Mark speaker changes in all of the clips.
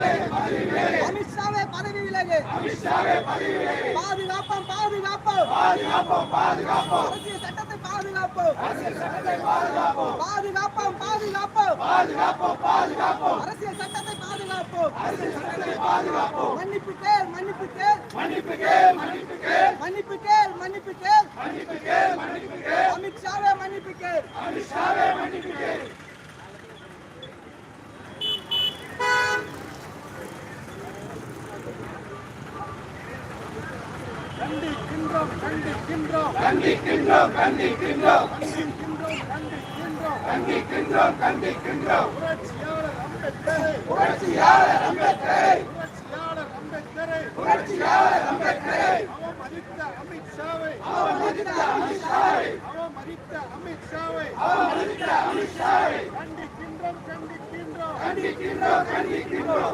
Speaker 1: அமித்ஷாவே பதவி விலகு. பாதுகாப்போம் அரசியல் சட்டத்தை பாதுகாப்போம். அரசியல் சட்டத்தை பாதுகாப்போம். மன்னிப்பு கேள். அமித்ஷாவே மன்னிப்பு கேள். கண்டிக்கின்றோம். புரட்சியாளர் அம்பேத்கரை அவமதித்த அமித்ஷாவை கண்டிக்கின்றோம்.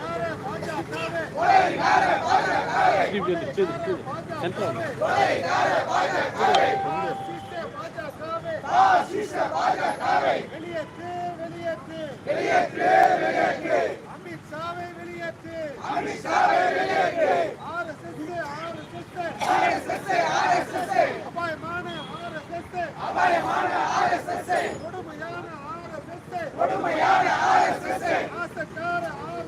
Speaker 1: வெளியேற்று. அமித்ஷாவை வெளியேற்று. RSS அபாயமான RSS கொடுமையான RSS ஆசக்கார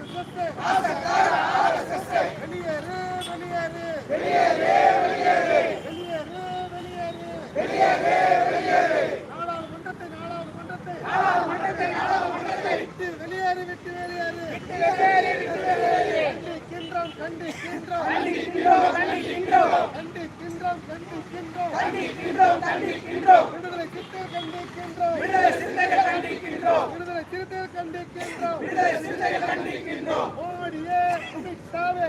Speaker 1: RSS வெளியேறு. நாடாளுமன்றத்தை விட்டு வெளியேறு. கண்டிக்கின்றோம். விடுதலை சிறுத்தைகள் கண்டிக்கின்றோம். மோடியே அமித்ஷாவே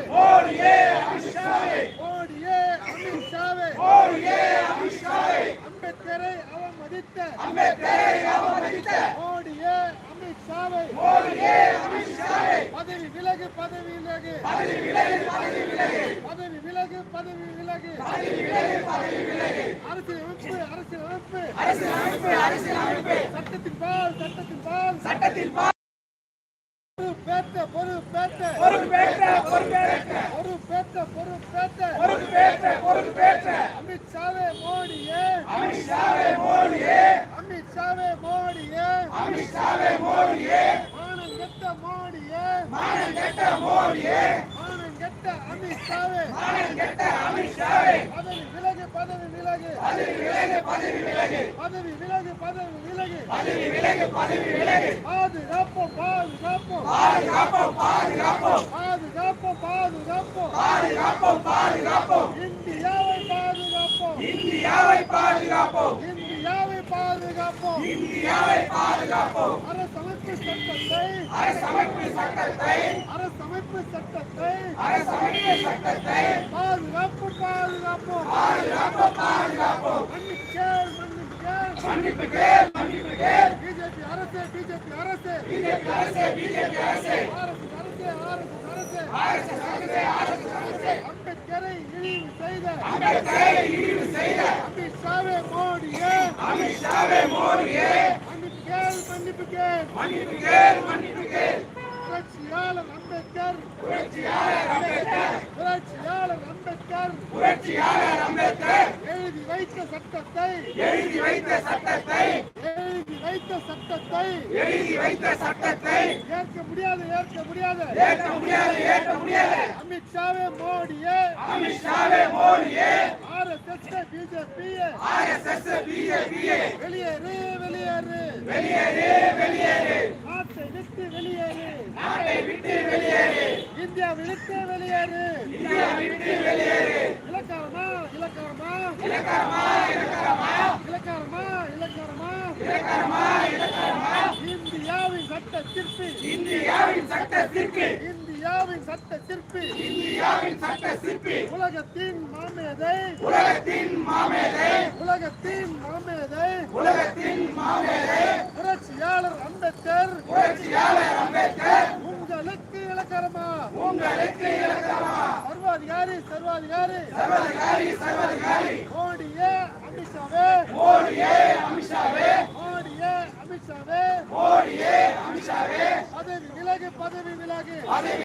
Speaker 1: அம்பேத்கரை அவமதித்த மோடியே அமித்ஷாவை பதவி விலகு. அரசியலமைப்பு சட்டத்தின் பால் பொறுப்பேற்ற அமித்ஷாவே மோடியே மானங்கெட்ட அமித்ஷாவே பதவி விலகு. பாதுகாப்போம். இந்தியாவை பாதுகாப்போம். அரசமைப்பு சட்டத்தை பாதுகாப்போம். மன்னிப்பு கேள். பிஜேபி அரசு அம்பேத்கரை இழிவு செய்த அமித்ஷாவே மோடியே மன்னிப்பு கேள். புரட்சியாளர் அம்பேத்கர் எழுதி வைத்த சட்டத்தை ஏற்க முடியாது. அமித்ஷாவே மோடியே RSS BJP வெளியேறு. நாட்டை விட்டு வெளியேறு. இந்தியாவை விட்டு வெளியேறு. இலக்காரமா இந்தியாவின் சட்ட சிற்பி உலகத்தின் மாமேதை புரட்சியாளர் அம்பேத்கர் உங்களுக்கு இலக்காரமா சர்வாதிகாரி மோடியே அமித்ஷாவே அமித்ஷாவே பதவி விலகு